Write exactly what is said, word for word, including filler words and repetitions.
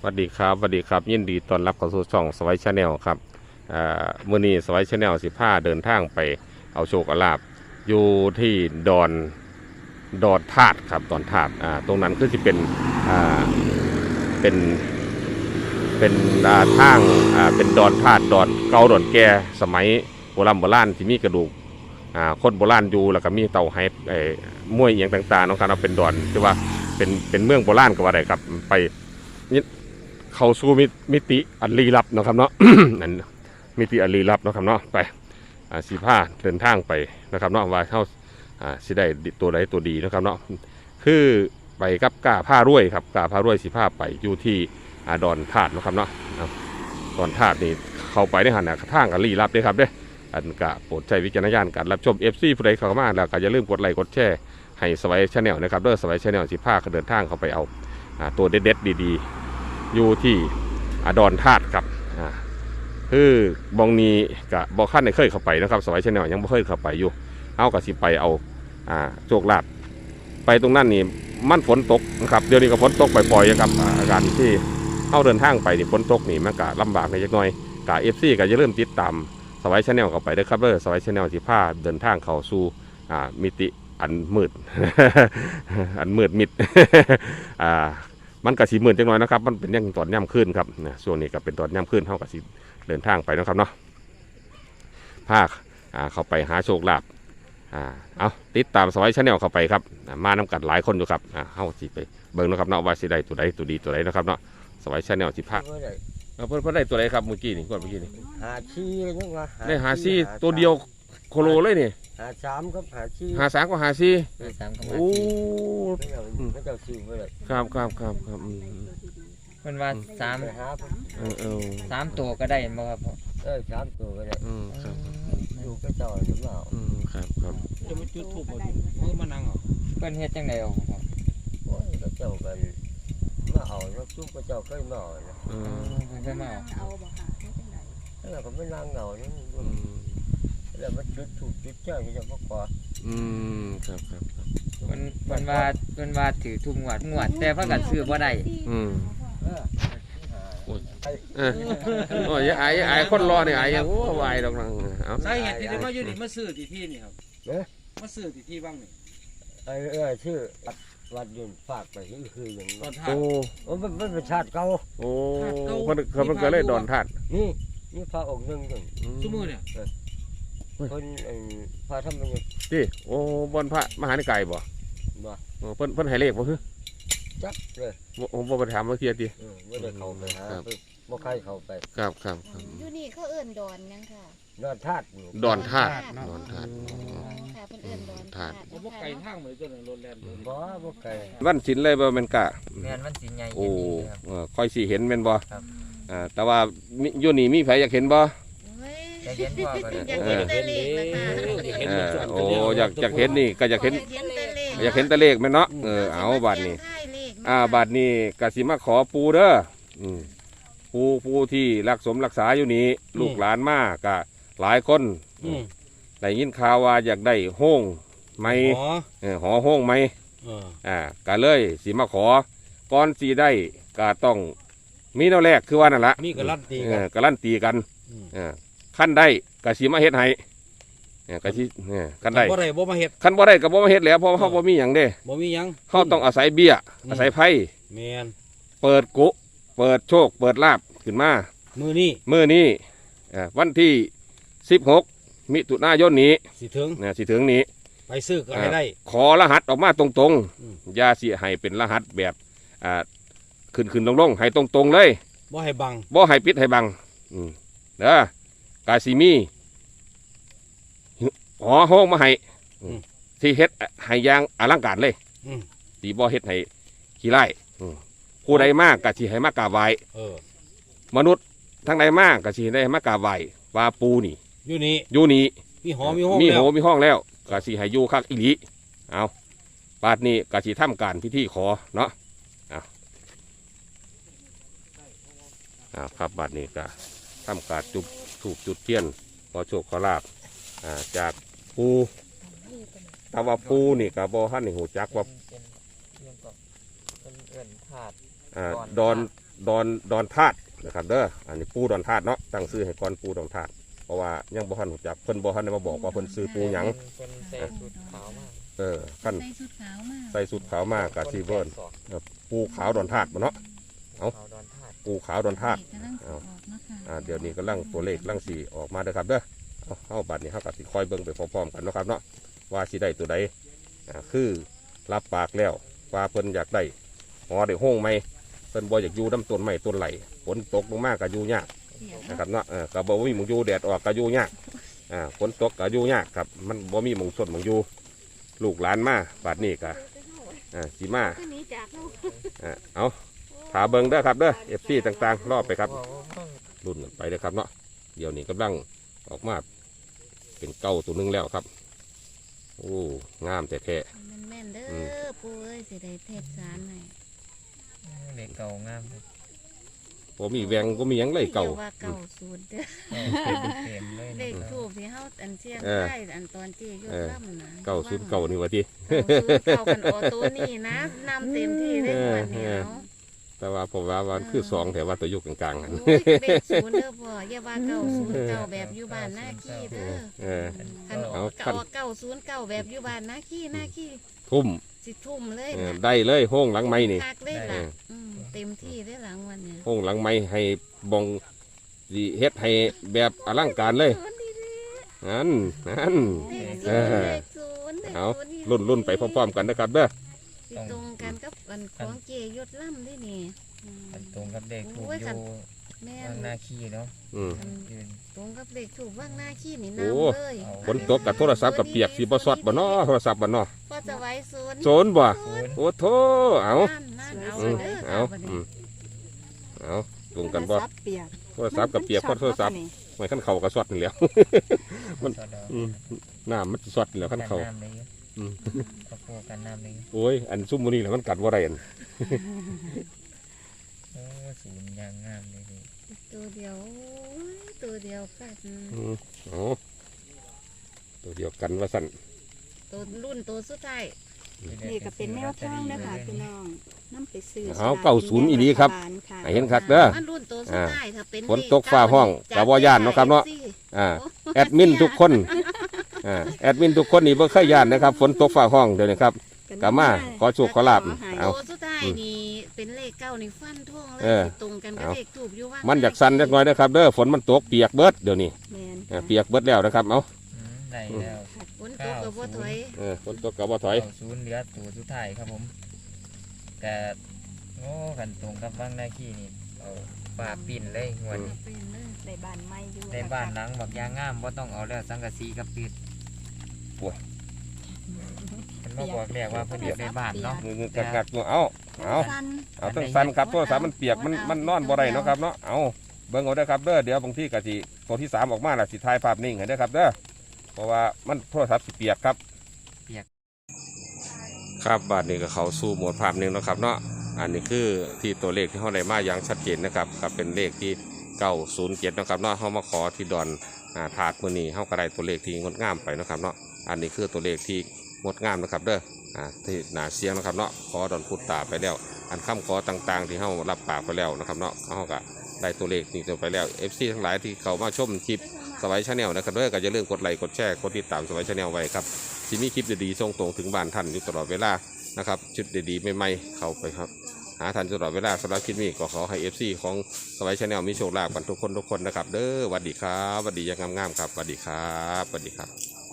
วัสดีครับสวัสดีครับยินดีต้อนรับเข้าสู่ช่องสไวชาแนลครับมื้อนี้สไวชาแนลสิบห้าเดินทางไปเอาโชคเอาลาภอยู่ที่ดอนดอนธาตุครับดอนธาตุอ่าตรงนั้นคือที่เป็นอ่าเป็นเป็นอ่าทางอ่าเป็นดอนธาตุดอนเก่าดอนแก่สมัยโบราณโบราณที่มีกระดูกอ่าคนโบราณอยู่แล้วก็มีเต่าไฮไอ้มวยอย่างต่างๆนะครับเป็นดอนที่ว่าเป็นเป็นเมืองโบราณก็ว่าได้ครับไปเข้าสู่มิติอันลี้ลับนะครับเนาะ นั่นมิติอันลี้ลับนะครับเนาะไปสีผ้าเดินทางไปนะครับเนาะว่าเข้าสิได้ตัวใดตัวดีนะครับเนาะคือไปกับกาผ้ารวยครับกาผ้ารวยสีผ้าไปอยู่ที่ดอนธาตุนะครับเนาะดอนธาตุนี่เข้าไปในหันทางอันลี้ลับด้วยครับเด้อันกะโปรดใช้วิจารณญาณการรับชม เอฟ ซี ผู้ใดเข้ามาแล้วก็อย่าลืมกดไลค์กดแชร์ให้สไวชาแนลนะครับเด้อสไวชาแนลสีผ้าเดินทางเข้าไปเอาตัวเด็ดๆดีๆอยู่ที่ดอนธาตุครับคือบองนี้กับบอขั้นในเคยเข้าไปนะครับสไวชาแนลยังไม่เคยเข้าไปอยู่เอากับสิไปเอาโชคลาภไปตรงนั้นนี่มันฝนตกนะครับเดี๋ยวนี้ก็ฝนตกปล่อยๆครับอาการที่เข้าเดินทางไปนี่ฝนตกนี่มันก็ลำบากในจักหน่อยกับเอฟซีก็จะเริ่มติดตามสไวชาแนลเข้าไปได้ครับเด้อสไวชาแนลสิผ้าเดินทางเข้าสู่มิติอันมืด อันมืดมิด มันกระสีหมื่นจังหน่อยนะครับมันเป็นยังตอนย่ำขึ้นครับนะช่วงนี้ก็เป็นตอนย่ำขึ้นเท่ากับสีเดินทางไปนะครับเนาะภาคเข้าไปหาโชคลาภเอาติดตามสไวชาแนลเข้าไปครับมานำกัดหลายคนอยู่ครับเข้าสิไปเบิ่งนะครับเนาะว่าสิได้ตัวใดตัวดีตัวใดนะครับเนาะสไวชาแนลสิภาคเพิ่นเพิ่นได้ตัวใดครับเมื่อกี้นี่ก่อนเมื่อกี้นี่หาชียังว่าได้หาซีตัวเดียวโคโลเลยนี่หาสามครับหาชีหาสามก็หาซีโอ้ไม่เจ้าชื่อไม่เลยครับครับครับครับมันว่าสามเออเออสามตัวก็ได้ไหมครับเออสามตัวก็ได้อืมครับอยู่ก็จ่อยหรือเปล่าอืมครับครับจะมาจุดถูกบ่เมื่อมานั่งเหรอเพิ่นเฮ็ดจังได๋อ๋อโอ้ยก็เจ้ากันมาเอาแล้วซุ่มก็เจ้าเคยมาเนาะอืมเพิ่นเคยมาเอาบ่ค่ะเฮ็ดจังได๋แล้วก็ไม่นั่งเอานี่แล้วมันจุดถูกจุดเจ้าจะบ่ขออืมครับครับครับเพิ่นเพิ่นว่าเพิ่นว่าถือทุกงวดงวดแต่เพิ่นก็ซื้อบ่ได้อืมโอ้ยเออโอ้ยไอ้ไอ้คนรอเนี่ยไอ้ยังโอ้วายดอกนังเอาใช่เหตุที่ได้มาอยู่นี่มาซื้อที่ที่นี่ครับเอ๊ะมาซื้อที่ที่บ้างนี่ไอ้เออชื่อวัดยืนฝากไปที่คืออย่างนั้นโอ้โอ้มันมันเป็นชาติเก่าโอ้มันเขามันก็เลยดอนธาตุนี่นี่พระองค์หนึ่งจังชั่วโมงเนี่ยคนไอ้พระทำมันยังที่โอ้บนพระมหานิกายบ่บ่เพิ่นเพิ่นให้เลขบ่คือจักเลยผมบ่ไปถามว่าเทียติเออบ่ได้เข้าไปหาบ่ใครเข้าไปครับครับอยู่นี่เขาเอิ้นดอนยังค่ะดอนธาตุดอนธาตุดอนธาตุค่ะเพิ่นเอิ้นดอนธาตุบ่ไกลทางเหมือนจนรถแล่นบ่บ่ไกลวันศิลเลยบ่แม่นกะแม่นวันศิลใหญ่โอ้เออค่อยสิเห็นแม่นบ่ครับอ่าแต่ว่าอยู่นี่มีไผอยากเห็นบ่อยากเห็นพ่อก็อยากเห็นแต่เลขนะคะโอ้อยากอยากเห็นนี่ก็อยากเห็นอยากเห็นแต่เลขแม่นเนาะเออเอาบัดนี้อ่าบัดนี้ก็สิมาขอปู่เด้ออืมปู่ปู่ที่รักสมรักษาอยู่นี่ลูกหลานมาก็หลายคนได้ยินข่าวว่าอยากได้ห้องไหมเออหอห้องไหมอ่าก็เลยสิมาขอก่อนสิได้ก็ต้องมีแนวแรกคือว่านั่นละมีการันตีเออการันตีกันเออขั้นได้ก็สิมาเฮ็ดให้เนี่ยก็สิเนี่ยขั้นได้บ่ได้บ่มาเฮ็ดขั้นบ่ได้ก็บ่มาเฮ็ดแล้วเพราะเฮาบ่มีหยังเด้บ่มีหยังเฮาต้องอาศัยเบี้ยอาศัยไพ่แม่นเปิดกุเปิดโชคเปิดลาภขึ้นมามื้อนี้มื้อนี้เอ่อวันที่สิบหกมิถุนายนนี้สิถึงเนี่ยสิถึงนี้ไปซื้อก็ให้ได้ขอรหัสออกมาตรงๆอย่าสิให้เป็นรหัสแบบอ่าขึ้นๆลงๆให้ตรงๆเลยบ่ให้บังบ่ให้ปิดให้บังอืมเด้อกาซิมีหอห้องมาให้ที่เฮ็ดให้ยางอลังการเลยตีบ่เฮ็ดให้ขี้ไล่ผู้ใดมากกะสิให้มากราบไหว้มนุษย์ทั้งใดมากกะสิได้มากราบไหว้ว่าปูนี่อยู่นี่อยู่นี่มีหอมีห้องมีหอมีห้องแล้วกะสิให้อยู่คักอีหลีเอาบาดนี้กะสิทำการพิธีขอเนาะเอาเอาครับบาดนี้กะทำการจุดถูกจุดเทียนขอโชคขอลาภจากปูแต่ว่าปูนี่กับบ่ฮั่นนี่หูจักว่าดอนดอนดอนธาตุนะครับเด้ออันนี้ปูดอนธาตุเนาะตั้งชื่อให้ก่อนปูดอนธาตุเพราะว่ายังบ่ทันรู้จักเพิ่นบ่ทันได้มาบอกว่าเพิ่นซื้อปูหยังคนใส่ชุดขาวมากเออขั้นใส่ชุดขาวมากใส่สุดขาวมากกะซีเวิร์นปูขาวดอนธาตุบ่เนาะขาวดอนธาตุปูขาวดอนธาตุกำลังสิออกเนาะค่ะอ่าเดี๋ยวนี้กำลังตัวเลขกำลังสีออกมาเด้อครับเด้อเอาเอาบัตรนี้เฮาก็สิคอยเบิ่งไปพร้อมๆกันเนาะครับเนาะว่าสิได้ตัวใดอ่าคือรับปากแล้วว่าเพิ่นอยากได้หอได้ห้องไหมเพิ่นบ่อยากอยู่น้ำต้นไม้ต้นไหลฝนตกลงมาก็อยู่ยากเสียนะครับเนาะเออก็บ่มีหมองอยู่แดดออกก็อยู่ยากอ่าฝนตกก็อยู่ยากครับมันบ่มีหมองสดหมองอยู่ลูกหลานมาบัดนี้ก็อ่าสิมาก็หนีจากเนาะอ่าเอาถาเบิ่งเด้อครับเด้อ เอฟ ซี ต่างๆรอบไปครับรุ่นกันไปเด้อครับเนาะเดี๋ยวนี้กำลังออกมาเป็นเก้าตัวหนึงแล้วครับโอ้งามแท้มันแม่นเด้อืมอปูเอ้ยสิได้เทศสารให้เด็กเก่างามเลยๆบ่มีแหวงก็มีหยังเลยเก่าอย่ว่าเก่าสูตรเด้อเต็มเลยเลขนะทูบที่เฮาอันเชียงเออได้อันตอนที่ยกเออล่ำนะเก้าศูนย์เก้านี่วะทีเก้าศูนย์เก้ากันออตัวนี้นะนำเต็มที่ได้หมดเหนียวแต่ว่าผมว่าวันคือสองแต่ว่าตัวอยุกกลางๆกันโอ้ยเลขศูนย์เด้อพ่ออย่าว่าเก้าศูนย์เก้าแบบอยู่บ้านหน้าขี้เด้อเออคันอเอาอกคันเก้าศูนย์เก้าแบบอยู่บ้านหน้าขี้หน้าขี้ทุ่มสิทุ่มเลยเออนะได้เลยห้องหลังไม้นี่คักได้เอล่ะออืมเต็มที่ได้หลังวันเนี่ยห้องหลังไม้ให้บองสิเฮ็ดให้แบบอลังการเลยนั่นนั่นเลขเอศูนย์อเลขศูนย์เลขเอาศูนย์รุ่นรุ่นไปพร้อมๆกันนะครับเด้อสิตรงกันกับวันของเจยศล่ำด้วยนี่อืมมันตรงกับเด็กถูกโอ้ยอคันยู่แม่ข้างหน้าขี้เนาะอืมคันยืนตรงกับเลขถูกว่างหน้าขี้นี่โอ้น้ำเลยฝนตกกับโทรศัพท์กับเปียกสีบ่สดบ่เนาะโทรศัพท์บ่เนาะก็จะไว้ศูนย์โซนบ่ศูนย์โอ้โถเอานั่นนั่นเอาอืมเด้อเอาบัดอืนี้มเอาตรงกันบ่โทรศัพท์เปียกโทรศัพท์กับเปียกเพราะโทรศัพท์ไม่ขั้นเข่ากับสดนี่แหล้ว มันสอดออืมน้ำมันสดนี่แหล้วขั้นเข่ากันน้ำเลยอืมกระโปรงกันน้ำเลยโอ้ยอันซุ่มมื้อนี้แหละมันกัดบ่ได้อันโอ้ศูนย์ยางงามเลยนี่ตัวเดียวโอ้ยตัวเดียวกันอืมเอาตัวเดียวกันว่าสั่นตัวรุ่นตัวสุดท้ายนี่ก็เป็นแนวทางนะคะพี่น้องนำไปซื้อเอาเก้าศูนย์อีดีครับค่ะให้เห็นคักเด้อมันรุ่นตัวสุดท้ายถ้าเป็นฝนตกฟ้าห้องกะบ่ย้านเนาะครับเนาะ อ่าแอดมินทุกคนอ่าแอดมินทุกคนนี่บ่เคยย่านนะครับฝนตกฟ้าห้องเดี๋ยวนี้ครับ กะมาขอโชคขอลาภเอาตัวสุดท้ายนี่เป็นเลขเก้านี่ฟันท่วงเลยเออสิตรงกันกับเอาเลขถูกอยู่ว่ามัมันอยากสั่นจักหน่อยนะครับเด้อฝนมันตกเปียกเบิดเดี๋ยวนี้แม่นอ่าค่ะเปียกเบิดแล้วนะครับเอาอืมได้แล้วฝนตกกับว่าถอยเออฝนตกก็บ่ถอยเก้าศูนย์เหลือตัวสุดท้ายครับผมแต่โอ้กันตรงกับบ้างหน้าขี้นี่เอาป่าปิ่นเลยงวดนี้เป็นเลยในบ้านไม่อยู่ในบ้านหลังบักยางงามบ่ต้องเอาแล้วสังกะสีกับปิดโอ้ยมันมาบอกเรียกว่าเพิ่นอยู่ในบ้านเนาะงึกๆกักๆเอาเอาสั้นเอาต้องสั่นครับโทรศัพท์มันเปียกมันมันนอนบ่ได้เนาะครับเนาะเอาเบิ่งเอาเด้อครับเด้อเดี๋ยวบางทีก็สิตัวที่สามออกมาล่ะสิถ่ายภาพนิ่งให้เด้อครับเด้อเพราะว่ามันโทรศัพท์สิเปียกครับเปียกครับบาทนี้ก็เขาสู่โหมดภาพหนึ่งนะครับเนาะอันนี้คือที่ตัวเลขที่เขาได้มาอย่างชัดเจนนะครับครับเป็นเลขที่เก้าศูนย์เจ็ดนะครับเนาะเขามาขอที่ดอนอ่าถาดมือนี้เขาก็ได้ตัวเลขที่งดงามไปนะครับเนาะอันนี้คือตัวเลขที่งดงามนะครับเด้ออ่าที่หนาเสียงนะครับเนาะขอดอนพุตตาไปแล้ว อันคำขอต่างๆ ที่เขารับปากไปแล้วนะครับเนาะเขาก็ได้ตัวเลขนี้ไปแล้ว เอฟ ซี ทั้งหลายที่เขามาชมคลิปสวัยชาแนลนะครับเด้อก็อย่าลืมกดไลค์กดแชร์กดติดตามสวัยชาแนลไว้ครับที่มีคลิปดีๆส่งตรงถึงบ้านท่านอยู่ตลอดเวลานะครับชุดดีๆใหม่ๆเข้าไปครับหาทันตลอดเวลาสำหรับคลิปนี้ก็ขอให้ เอฟ ซี ของสวัยชาแนลมีโชคลาภกันทุกคนทุกคนนะครับเด้อสวัสดีครับสวัสดีอยังงามๆครับสวัสดีครับสวัสดีครับ